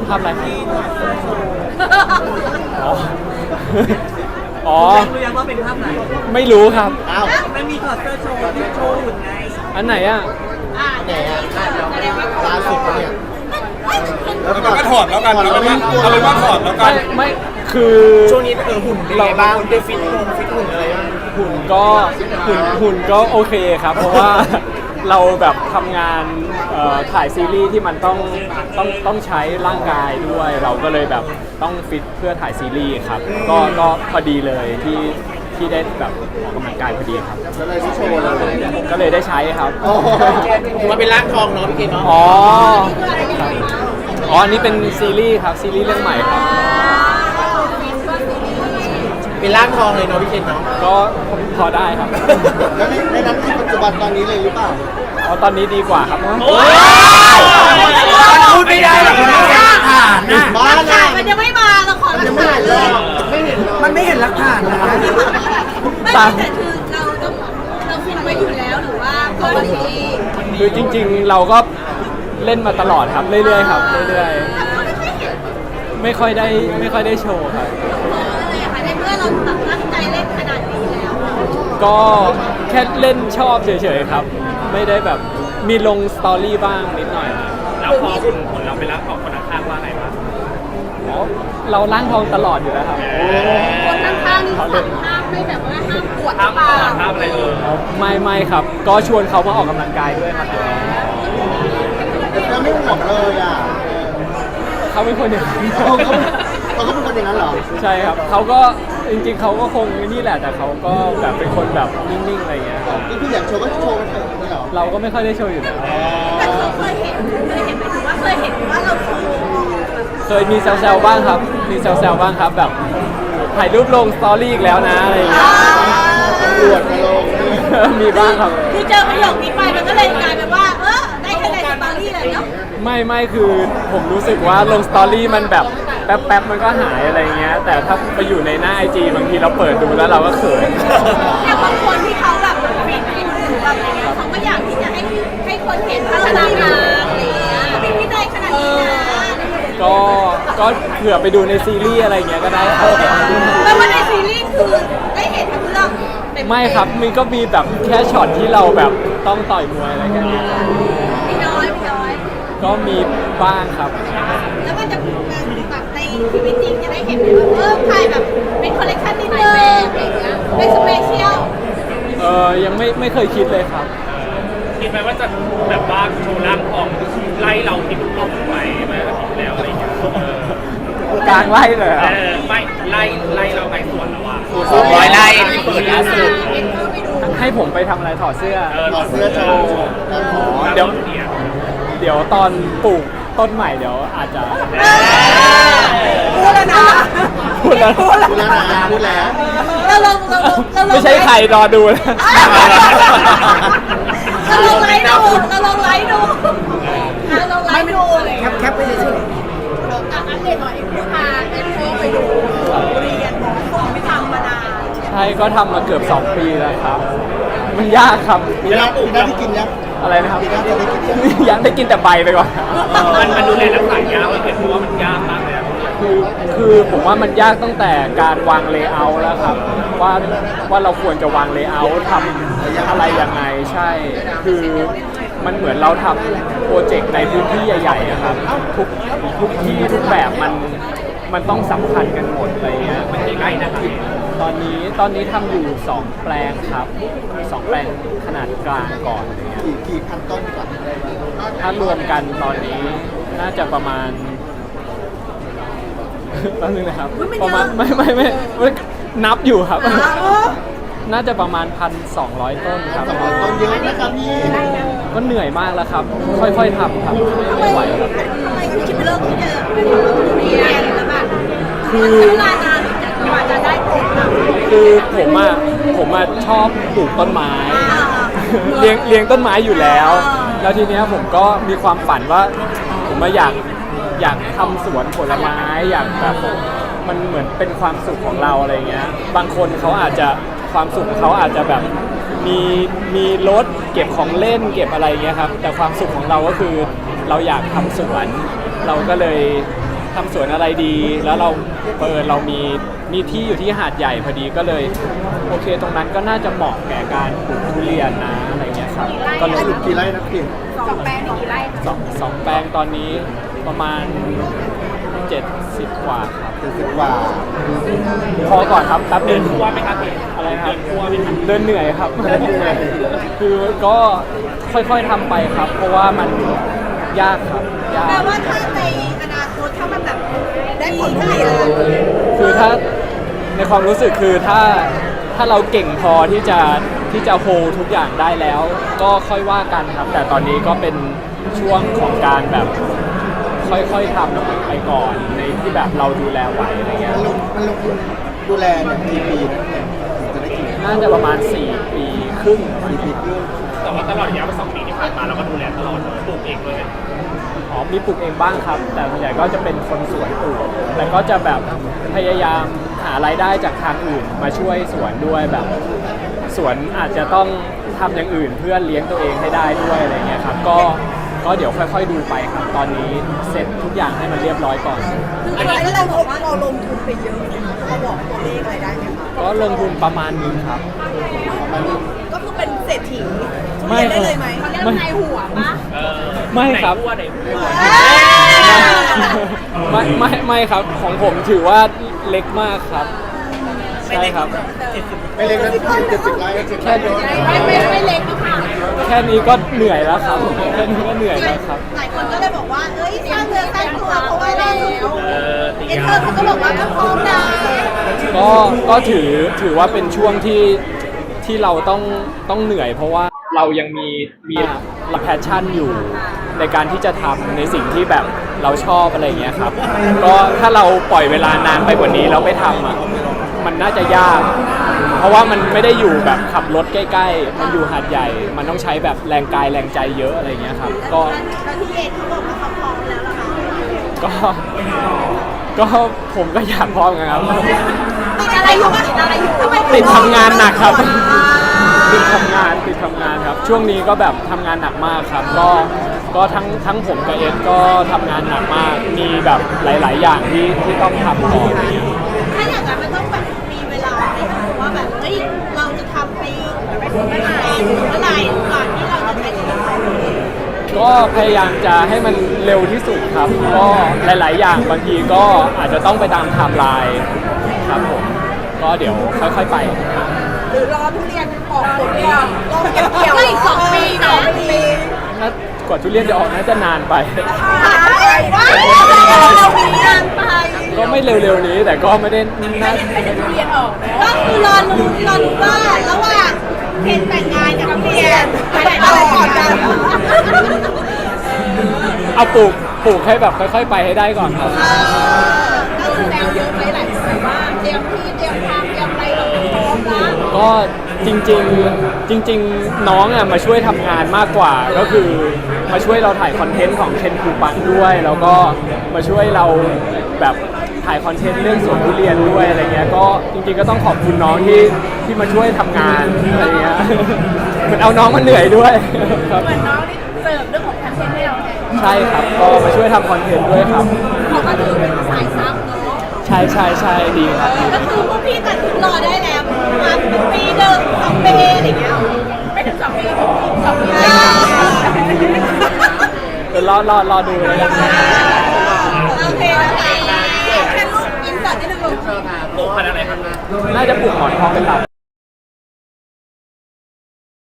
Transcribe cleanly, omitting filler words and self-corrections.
ภาพอะไรอ๋ออ๋อรู้ยังว่าเป็นภาพไหนไม่รู้ครับอ้าวมันมีถอดเสื้อโชว์ที่โชว์หุ่นไงอันไหนอ่ะไหนอ่ะล่าสุดเนี่ยเอาเป็นว่าถอดแล้วกันเอาเป็นว่าถอดแล้วกัไม่นไม่คือช่วงนี้หุ่นเป็นไงบ้างได้ฟิตหุ่นอะไรบ้างหุ่นก็โอเคครับ เพราะว่าเราแบบทำงานถ่ายซีรีส์ที่มันต้องใช้ร่างกายด้วย เราก็เลยแบบต้องฟิตเพื่อถ่ายซีรีส์ครับก็พอดีเลยที่ได้แบบออกกำลังกายพอดีครับแล้วเลยที่โชว์เลยก็เลยได้ใช้ครับโอ้โหมันเป็นร่างทองเนาะพี่เกดเนาะอ๋อครับอ๋ออันนี้เป็นซีรีส์ครับซีรีส์เรื่องใหม่ครับเป็นร่างทองเลยเนาะพี่เกดเนาะก็พอได้ครับแล้วในนั้นที่ปัจจุบันตอนนี้เลยหรือเปล่าอ๋อตอนนี้ดีกว่าครับพูดไม่ได้หรอกนะบ้าหลักเลฐานยมันยังไม่มาเราขอหลักยังไม่ฐานเห็นเลเลย ยไม่เห็นเลยมันไม่เห็นหลักฐานนะไม่แต่คือเราฟินไว้อยู่แล้วหรือว่าปกติคือจริงๆเราก็เล่นมาตลอดครับเรื่อยๆครับเรื่อยๆไม่ค่อยได้โชว์ครับอะไรอะคะในเมื่อเราตั้งใจเล่นขนาดนี้แล้วก็แค่เล่นชอบเฉยๆครับ ไม่ได้แบบมีลงสตอรี่บ้างนิดหน่อยแล้วพอหุ่นเราไปรับของคนข้างว่าไงบ้างอ๋อเราล้างทองตลอดอยู่แล้วครับคนข้างๆนี่สั่งห้ามไม่แบบว่าห้ามปวดห้ามเปล่าห้ามอะไรเลยไม่ครับ ก็ชวนเขามาออกกำลังกายด้วยครับแล้วไม่ห่วงเลยอ่ะเขาเป็นคนอย่างนี้เขาก็เป็นคนอย่างนั้นเหรอใช่ครับเขาก็จริงๆเขาก็คงนี่แหละแต่เขาก็แบบเป็นคนแบบนิ่งๆอะไรอย่างเงี้ยครับนี่คืออยากโชว์ก็โชว์ไปเถอะนี่เหรอเราก็ไม่ค่อยได้โชว์อยู่แล้วแต่เขาเคยเห็นหมายถึงว่าเคยเห็นว่าเราโชว์แบบเคยมีแซวๆบ้างครับ มีแซวๆบ้างครับแบบถ่ายรูปลงสตอรี่อีกแล้วนะอะไรอย่างเงี้ยตำรวจมาลงมีบ้างครับคือเจอประโยคนี้ไปมันก็เลยกลายเป็นว่าได้แค่ในสตอรี่เลยเนาะไม่คือผมรู้สึกว่าลงสตอรี่มันแบบแป๊บๆมันก็หายอะไรเงี้ยแต่ถ้าไปอยู่ในหน้าไอจีบางทีเราเปิดดูแล้วเราก็เขินแต่บางคนที่เขาแบบฟินอยู่หรือแบบอะไรเงี้ยเขาก็อยากที่จะให้คนเห็นพัฒนาการอะไรเงี้ยเป็นวินัยขนาดนี้นะก็เผื่อไปดูในซีรีส์อะไรเงี้ยก็ได้ครับแล้วว่าในซีรีส์คือได้เห็นทั้งเรื่องเต็ๆไม่ครับมันก็มีแบบแค่ช็อตที่เราแบบต้องต่อยมวยอะไรแค่นี้มีน้อยก็มีบ้างครับแล้วก็จะแบบในชีวิตจริงจะได้เห็นว่าถ่ายแบบเป็นคอลเลคชันนิดนึงอะไรอย่างเงี้ยเป็นสเปเชียลยังไม่เคยคิดเลยครับคิดไหมว่าจะแบบว่าโชว์ร่างทองไล่เราที่ลงไปเมื่ออาทิตย์แล้วอะไรอย่างเงี้ยกลางไล่เลยครับไม่ไล่เราไปสวนแล้วอ่ะ 200 ไร่ที่เปิดล่าสุดให้ผมไปทำอะไรถอดเสื้อถอดเสื้อโชว์เดี๋ยวตอนปลูกต้นใหม่เดี๋ยวอาจจะพูดแล้วนะพูดแล้วพูดแล้วนะพูดแล้วเราลงไม่ใช่ใครรอดูนะเราลงไลฟ์ดูเราลงไลฟ์ดูอะไรแคปไปเฉยอัปเดตหน่อยผู้พาเป็นโค้ชไปดูเรียนไม่ทำมานานใช่ก็ทำมาเกือบ2 ปีแล้วครับ มันยากครับๆมีหน้าที่กินยังอะไรนะครับมีหน้าที่ได้กินยังยังได้กินแต่ใบไปก่อนมันดูแลรักษายากเลยเพราะว่ามันยากมากเลยคือผมว่ามันยากตั้งแต่การวางเลเยอร์แล้วครับว่าเราควรจะวางเลเยอร์ทำอะไรยังไงใช่ คือมันเหมือนเราทำโปรเจกต์ในพื้นที่ใหญ่ๆอะครับทุกที่ทุกแบบมันต้องสัมพันธ์กันหมดอะไรเงี้ยมันใกล้นะครับตอนนี้ทำอยู่2 แปลงครับ2 แปลงขนาดกลางก่อนอะไรเงี้ยกี่พันต้นดีกว่าถ้ารวมกันตอนนี้น่าจะประมาณ แป๊บนึงนะครับประมาณไม่นับอยู่ครับ น่าจะประมาณ 1,200 ต้นครับ 200 ต้นเยอะนะครับพี่ก็เหนื่อยมากแล้วครับ ค่อยๆทำครับไม่ไหวครับทำไมถึงคิดเลิกที่จะเป็นเรียนแล้วแบบคือใช้เวลานานกว่าจะได้ผลอะคือผมอะชอบปลูกต้นไม้ เลี้ยงต้นไม้อยู่แล้ว แล้วทีเนี้ยผมก็มีความฝันว่าผมมาอยากทำสวนผลไม้อยากแบบมันเหมือนเป็นความสุขของเราอะไรเงี้ยบางคนเขาอาจจะความสุขของเขาอาจจะแบบมีรถเก็บของเล่นเก็บอะไรเงี้ยครับแต่ความสุขของเราก็คือเราอยากทำสวนเราก็เลยทำสวนอะไรดี แล้วเรามีที่อยู่ที่หาดใหญ่พอดีก็เลยโอเคตรงนั้นก็น่าจะเหมาะแก่การปลูกทุเรียนนะอะไรเงี้ยครับก็เลยกี่ไร่นะพี่ 2 แปลงกี่ไร่สองแปลงตอนนี้ประมาณ 70 กว่าครับ 70 กว่าพอก่อนครับแป๊บนึงกลัวไหมครับพี่อะไรครับกลัวไหมครับเดินเหนื่อยครับเดินเหนื่อยคือก็ค่อยๆทำไปครับ เพราะว่ามันยากครับยากแปลว่าถ้าในอนาคตถ้ามันแบบได้ผลผลิตคือถ้าในความรู้สึกคือถ้าเราเก่งพอที่จะโฮทุกอย่างได้แล้ว ก็ค่อยว่ากันครับ แต่ตอนนี้ก็เป็นช่วงของการแบบค่อยๆทำไปก่อนในที่แบบเราดูแลไหวอะไรเงี้ยมันลงทุนดูแลเนี่ยกี่ปีนะเนี่ยถึงจะได้กินน่าจะประมาณ4 ปีครึ่ง 4 ปีครึ่งแต่ว่าตลอดระยะ2 ปีที่ผ่านมาเราก็ดูแลตลอดปลูกเองเลยอ๋อมีปลูกเองบ้างครับ แต่ส่วนใหญ่ก็จะเป็นคนสวนปลูกแต่ก็จะแบบพยายามหารายได้จากทางอื่นมาช่วยสวนด้วยแบบสวนอาจจะต้องทำอย่างอื่นเพื่อเลี้ยงตัวเองให้ได้ด้วยอะไรเงี้ยครับก็เดี๋ยวค่อยๆดูไปครับ ตอนนี้เสร็จทุกอย่างให้มันเรียบร้อยก่อนอันนี้ก็เราบอกว่าเราลงทุนไปเยอะนะคะเราบอกตัวเลขอะไรได้ไหมคะก็ลงทุนประมาณนึงครับก็คือเป็นเศรษฐีไม่ได้เลยไหมเขาเรียกในหัวปะไม่ครับไหนพูดไม่ครับของผมถือว่าเล็กมากครับใช่ครับไม่เล็กนะ70 ไร่70 ไร่เยอะไม่เล็กนะคะแค่นี้ก็เหนื่อยแล้วครับแค่นี้ก็เหนื่อยแล้วครับหลายคนก็เลยบอกว่าเอ้ยสร้างเนื้อสร้างตัวเพราะว่าเราตีเอ็นยาเตอร์เขาก็บอกว่าก็พร้อมนะก็ถือว่าเป็นช่วงที่เราต้องเหนื่อย เพราะว่าเรายังมีแพชชั่นอยู่ในการที่จะทำในสิ่งที่แบบเราชอบอะไรอย่างเงี้ยครับก็ถ้าเราปล่อยเวลานานไปกว่านี้แล้วไปทำอ่ะมันน่าจะยาก เพราะว่ามันไม่ได้อยู่แบบขับรถใกล้ๆมันอยู่หาดใหญ่ มันต้องใช้แบบแรงกายแรงใจเยอะอะไรอย่างเงี้ยครับก็แล้วที่เอ็นเขาบอกว่าเขาพร้อมแล้วล่ะค่ะก็ผมก็อยากพร้อมกันครับติดอะไรอยู่ติดอะไรอยู่ทำไมติดทำงานหนักครับ ติดทำงานครับ ช่วงนี้ก็แบบทำงานหนักมากครับ ก็ทั้งผมกับเอ็ดก็ทำงานหนักมาก มีแบบหลาย ๆ อย่างที่ต้องทำต่ออะไรอย่างเงี้ยถ้าอย่างนั้นมันต้องแบบมีเวลาไหมคะว่าแบบเฮ้ยเราจะทำไปเมื่อไหร่ก่อนที่เราจะใช้ชีวิตของเราเองก็พยายามจะให้มันเร็วที่สุดครับ ก็หลาย ๆ อย่างบางทีก็อาจจะต้องไปตามไทม์ไลน์ครับผม ก็เดี๋ยวค่อย ๆ ไปหรือรอทุเรียนออกผลก่อนรอเก็บเกี่ยวไม่2 ปีนะปีน่ากว่าทุเรียนจะออกน่าจะนานไปเรามีงานไปก็ไม่เร็ว ๆ นี้แต่ก็ไม่ได้น่าก็คือรอลุ้นว่าระหว่างเพนแต่งงานกับทุเรียนไปต่อก่อนกันเอาปลูกให้แบบค่อย ๆ ไปให้ได้ก่อนครับก็คือแนวเยอะไปหลายคนว่าเตรียมที่เตรียมทางเตรียมอะไรแบบพร้อมแล้วก็จริงน้องอ่ะมาช่วยทำงานมากกว่าก็คือมาช่วยเราถ่ายคอนเทนต์ของเคนคูปังด้วย แล้วก็มาช่วยเราแบบถ่ายคอนเทนต์เรื่องสวนทุเรียนด้วยอะไรเงี้ยก็จริงๆก็ต้องขอบคุณน้องที่มาช่วยทำงานอะไรเงี้ยเหมือนเอาน้องมาเหนื่อยด้วยครับเหมือนน้องนี่เสิร์ฟเรื่องของคอนเทนต์ให้เราไงใช่ครับก็มาช่วยทำคอนเทนต์ด้วยครับเขาก็ถือเป็นสายซับเนาะใช่ดีครับดีก็คือพวกพี่ตัดสินรอได้แล้วมาปีหนึ่ง2 ปีอะไรอย่างเงี้ยไม่ถึง2 ปี2 ปีเดี๋ยวรอดูเลยกันโอเคนะคะแค่ลูกอินเสิร์ตนิดนึงลูกปลูกพันธุ์อะไรครับน่าจะปลูกหมอนทองเป็นหลัก